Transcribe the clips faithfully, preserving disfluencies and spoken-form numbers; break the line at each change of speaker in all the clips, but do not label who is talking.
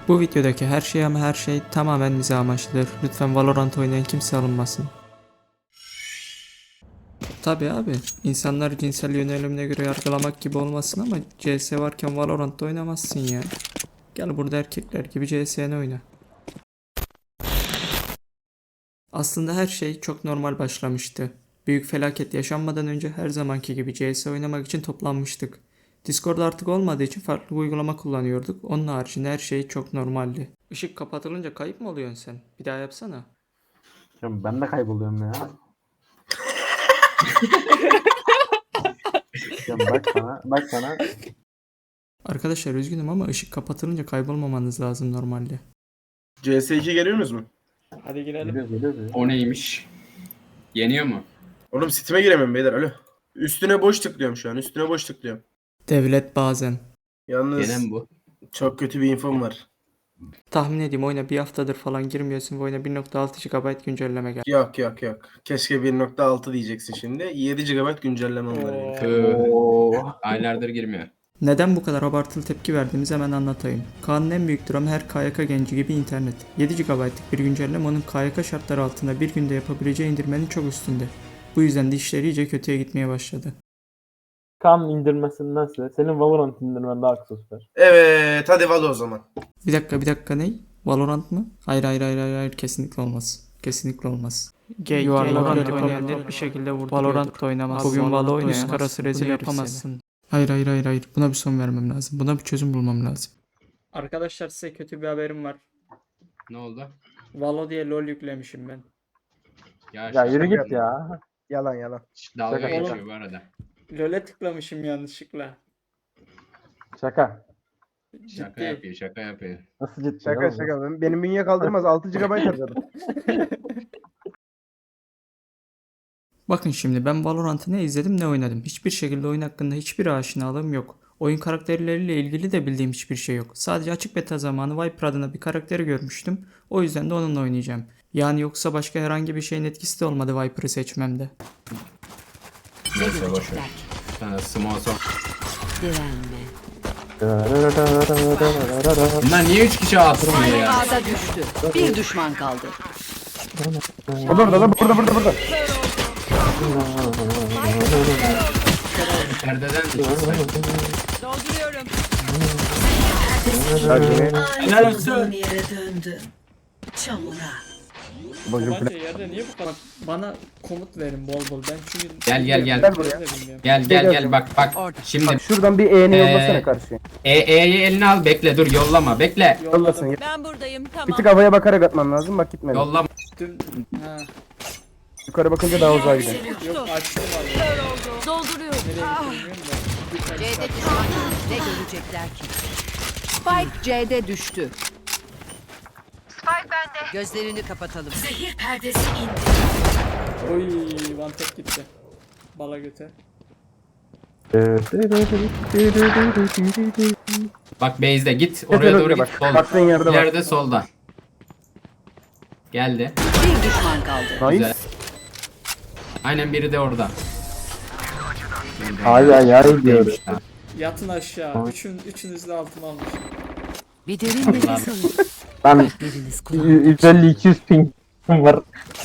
Bu videodaki her şey ama her şey tamamen mizah amaçlıdır. Lütfen Valorant oynayan kimse alınmasın. Tabi abi, insanlar cinsel yönelimine göre yargılamak gibi olmasın ama C S varken Valorant'ta oynamazsın ya. Gel burada erkekler gibi C S'ni oyna. Aslında her şey çok normal başlamıştı. Büyük felaket yaşanmadan önce her zamanki gibi C S oynamak için toplanmıştık. Discord artık olmadığı için farklı bir uygulama kullanıyorduk. Onun haricinde her şey çok normaldi. Işık kapatılınca kayıp mı oluyorsun sen? Bir daha yapsana.
Ya ben de kayboluyorum ya. Ya bak sana, bak sana.
Arkadaşlar üzgünüm ama ışık kapatılınca kaybolmamanız lazım normalde.
C S iki geliyorsunuz mu?
Hadi girelim.
Geliyor, geliyor, geliyor.
O neymiş? Yeniyor mu?
Oğlum Steam'e giremem beyler alo. Üstüne boş tıklıyorum şu an. Üstüne boş tıklıyorum.
Devlet bazen.
Yalnız
Gene mi bu?
çok kötü bir infom var.
Tahmin edeyim oyuna bir haftadır falan girmiyorsun ve oyuna bir nokta altı gigabayt güncelleme geldi.
Yok yok yok. Keşke bir nokta altı diyeceksin şimdi. yedi gigabayt güncelleme onları.
Oo.
Tüh.
Oo.
Aylardır girmiyor.
Neden bu kadar abartılı tepki verdiğimizi hemen anlatayım. Kaan'ın en büyük dramı her K Y K genci gibi internet. yedi gigabaytlık bir güncelleme onun K Y K şartları altında bir günde yapabileceği indirmenin çok üstünde. Bu yüzden de işleri iyice kötüye gitmeye başladı.
Kan indirmesindense senin Valorant indirmen daha kısa sürer.
Evet hadi Valo o zaman.
Bir dakika bir dakika ney? Valorant mı? Hayır hayır hayır hayır, hayır. Kesinlikle olmaz. Kesinlikle olmaz. Gay, Valorant oynayan net bir şekilde vurdu. Valorant oynamaz. Bugün Valo oyunu üst karası rezil yapamazsın. Hayır hayır hayır hayır. Buna bir son vermem lazım. Buna bir çözüm bulmam lazım. Arkadaşlar size kötü bir haberim var.
Ne oldu?
Valo diye LoL yüklemişim ben.
Ya,
Ya
şaka
yürü git
yapma.
ya.
Yalan yalan.
Dalga
Şaka.
geçiyor bu arada.
LoL'e tıklamışım yanlışlıkla.
Şaka.
Şaka
Ciddi.
yapıyor, şaka yapıyor.
Nasıl ciddi?
Şaka
oğlum?
şaka. Ben- Benim bünye kaldırmaz. altı gigabayt harcadım.
Bakın şimdi ben Valorant'ı ne izledim ne oynadım. Hiçbir şekilde oyun hakkında hiçbir aşinalığım yok. Oyun karakterleriyle ilgili de bildiğim hiçbir şey yok. Sadece açık beta zamanı Viper adına bir karakteri görmüştüm. O yüzden de onunla oynayacağım. Yani yoksa başka herhangi bir şeyin etkisi de olmadı Viper'ı seçmemde.
Neyse boşver. Sana small son.
Direnme.
Bunlar niye üç kişi atmıyor ya?
Ağda düştü. Bir düşman kaldı.
Burada burada burada burada burada.
Perdeden düştü.
Dolduruyorum.
Helal olsun.
Yere döndü. Çamura.
Bence yerde niye bu kadar?
Bana komut verin bol bol. Ben çünkü
Gel gel gel.
Gel buraya.
Gel gel gel bak bak. Şimdi
Şuradan bir E'ni
Ee,
yollasana karşıya.
E E'yi eline al, bekle, dur, yollama, bekle.
Yollasın.
Ben buradayım
Bir
tamam.
tık havaya bakarak atman lazım. Bak gitmedi.
Yollama.
Dün... Ha.
Yukarı bakınca daha uzağa gidiyor.
Yok açtım abi.
Dolduruyorum.
Nereye gittim bilmiyorum da.
C'de düşman. Ne görecekler ki? Spike C'de düştü. Spike bende. Gözlerini kapatalım. Zehir perdesi indi.
Oy one tap gitti. Bala göte.
Bak base'de git, oraya doğru git,
bak.
solda.
Baktığın yerde bak.
İleride solda. Geldi.
Bir düşman kaldı.
Nice.
Güzel. Aynen, biri de orada.
Ay ay ay diyor.
Yatın aşağı. Üçün, üçünüz de altıma almış.
Bir derin nefes alın.
Ben
Biriniz kulağına.
yüz elli iki yüz ping var.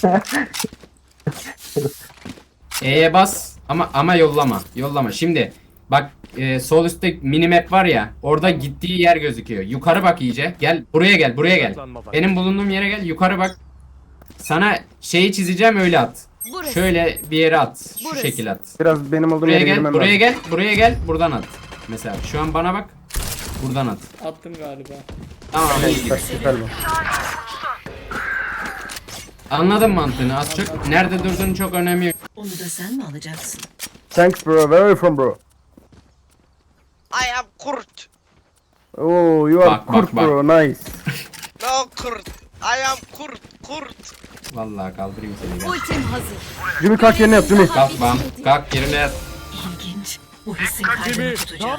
E'ye bas ama ama yollama. Yollama. Şimdi bak, e, sol üstte minimap var ya. Orada gittiği yer gözüküyor. Yukarı bak iyice. Gel buraya, gel buraya gel. Benim bulunduğum yere gel. Yukarı bak. Sana şeyi çizeceğim, öyle at.
Burası.
Şöyle bir yere at. Şu
Burası.
şekil at.
Biraz benim olduğum
Buraya
yere
gel.
girmem
Buraya
lazım.
gel. Buraya gel. Buradan at. Mesela şu an bana bak. Buradan at.
Attım galiba.
Tamam. iyi.
Bak, süper bu.
Anladım mantığını az çok. Nerede durduğun çok önemli yok.
Onu da sen mi alacaksın?
Thanks bro. Where are you from bro?
I am Kurt.
Oh you are
Bak, bak,
Kurt
bak.
bro. Nice.
No Kurt. I am Kurt. Kurt.
Vallahi kaldırayım seni. Gel.
Ultim hazır.
Jimmy kalk yerine yap Jimmy.
Kalk bam. Kalk yerine yat.
İlginç. Bu hissin kalbini tutacağım.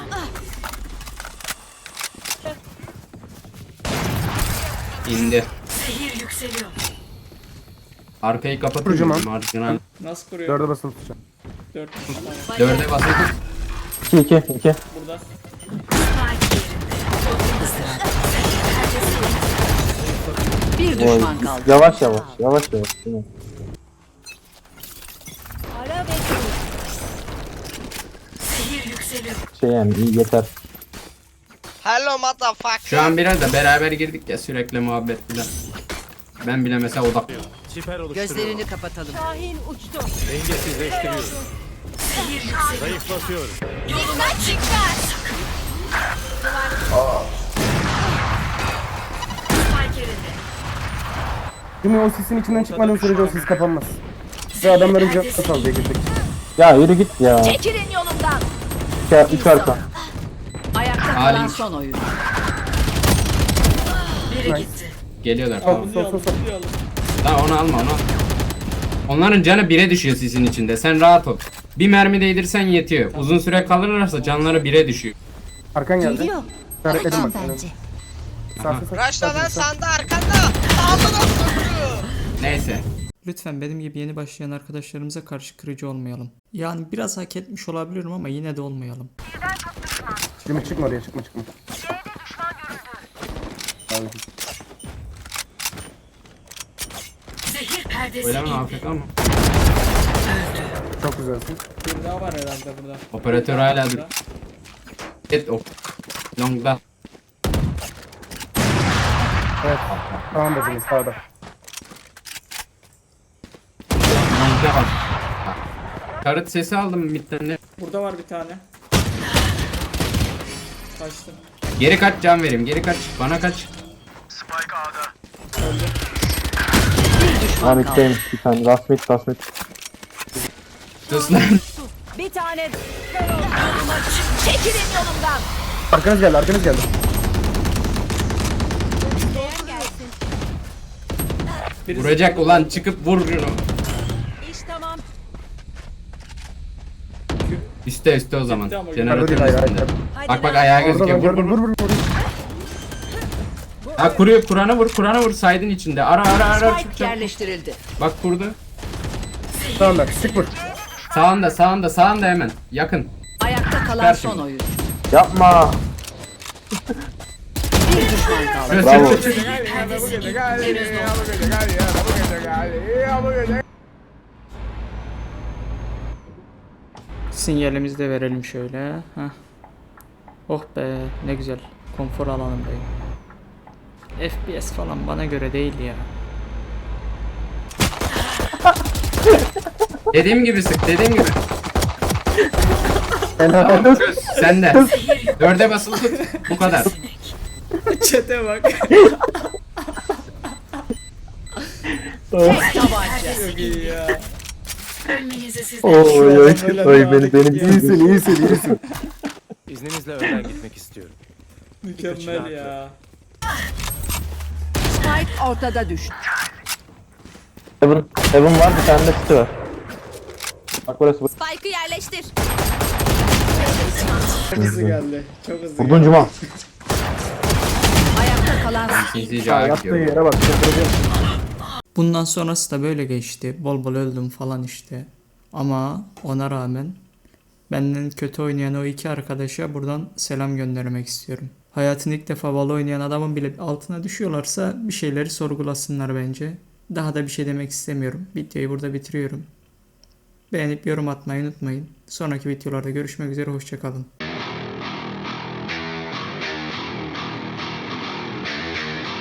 İndi.
Zehir yükseliyor.
Arkayı kapatın.
Kocaman.
Marjinal.
Nasıl kuruyor?
Dörde basılı tutacağım.
Dört. Tamam.
Dörde basın.
iki iki iki.
Burada.
Spike yerinde. Isırat. Zehir perdesi düşman kaldı.
Yavaş yavaş. Yavaş yavaş. Değil mi? Şey yani iyi yeter.
Hello motherfucker.
Şu an biraz da beraber girdik ya sürekli muhabbet filan. Ben bile mesela odak.
Siper oluşturuyor.
Gözlerini kapatalım.
Dengesizleştiriyor. Zayıflatıyorum.
Şimdi o sisin içinden çıkmadığın sürece o sis kapanmaz. Ve adamların canı sal diye girdik.
Ya yürü git ya.
Çekilin yolumdan.
İki, üç arka.
Ayakta
Halim.
kalan son oyun.
Geliyorlar
Sol
tamam.
sol sol sol.
Tamam onu alma onu. Onların canı bire düşüyor sisin içinde. Sen rahat ol. Bir mermi değdirsen yetiyor. Uzun süre kalırlarsa canları bire düşüyor.
Arkan geldi. İşaretledim bak. Sağ sağ sağ.
Raşla lan sanda arkanda. Ağzına sıkıyor.
Neyse.
Lütfen benim gibi yeni başlayan arkadaşlarımıza karşı kırıcı olmayalım. Yani biraz hak etmiş olabilirim ama yine de olmayalım.
Şimdi çıkma oraya çıkma çıkma.
Öyle mi Afrika mı?
Çok güzelsin.
Bir daha var herhalde burada.
Operatör hala dur. Et o. Long'da.
Evet. Tamam dediniz sağda.
Long'da var. Karıt sesi aldım midden de.
Burada var bir tane. Kaçtım.
Geri kaç can vereyim. Geri kaç. Bana kaç.
Bir düşman
Lan
kaldı.
içteyim bir tane. Rasmet rasmet.
Sus lan.
Bir tane. Çekilin yolumdan.
Arkanız geldi arkanız geldi.
Vuracak ulan çıkıp vur şunu.
İş tamam.
Üste üste o zaman.
Gitti ama
Jeneratörün
Hayır, hayır,
üstünde.
hayır.
Bak bak ayağı
Orada
gözüküyor.
ben
Vur
gördüm
vur
vur
vur.
vur vur.
Ha kuruyor. Kur'an'a vur. Kur'an'a vur. Saydın içinde. Ara ara ara.
Spike
çıkacak.
yerleştirildi.
Bak kurdu.
Tamam bak sık vur.
Sağında sağında sağında hemen. Yakın.
Ayakta kalan
Ver
son
şimdi.
oyun.
Yapma.
Bir düşman kaldı.
Şöyle
Bravo.
çık, çık, çık.
Sinyalimizi de verelim şöyle. Heh. Oh be ne güzel. Konfor alanındayım. F P S falan bana göre değil ya.
Dediğim gibi sık. Dediğim gibi.
Helal olsun.
Sen de. Dörde basılı tut. Bu kadar.
Çete bak.
Tek tabanca.
Çok iyi ya.
Oy oy.
Öyle
Oy
bir
beni
hareket
benim
ya.
İyisin iyisin iyisin.
İzninizle önden gitmek istiyorum.
Mükemmel ya.
Spike ortada düştü.
Heaven, Heaven var bir tane de City var. Bak burası bu.
Spike'ı yerleştir.
Çok hızlı geldi. Çok hızlı
Vurdun
geldi.
Cuma.
Ayakta kalan
İkinci
Ya
cevap
yattığı
gidiyor.
yere bak. çıldıracağım.
Bundan sonrası da böyle geçti. Bol bol öldüm falan işte. Ama ona rağmen benden kötü oynayan o iki arkadaşa buradan selam göndermek istiyorum. Hayatını ilk defa Valo oynayan adamın bile altına düşüyorlarsa bir şeyleri sorgulasınlar bence. Daha da bir şey demek istemiyorum. Videoyu burada bitiriyorum. Beğenip yorum atmayı unutmayın. Sonraki videolarda görüşmek üzere. Hoşçakalın.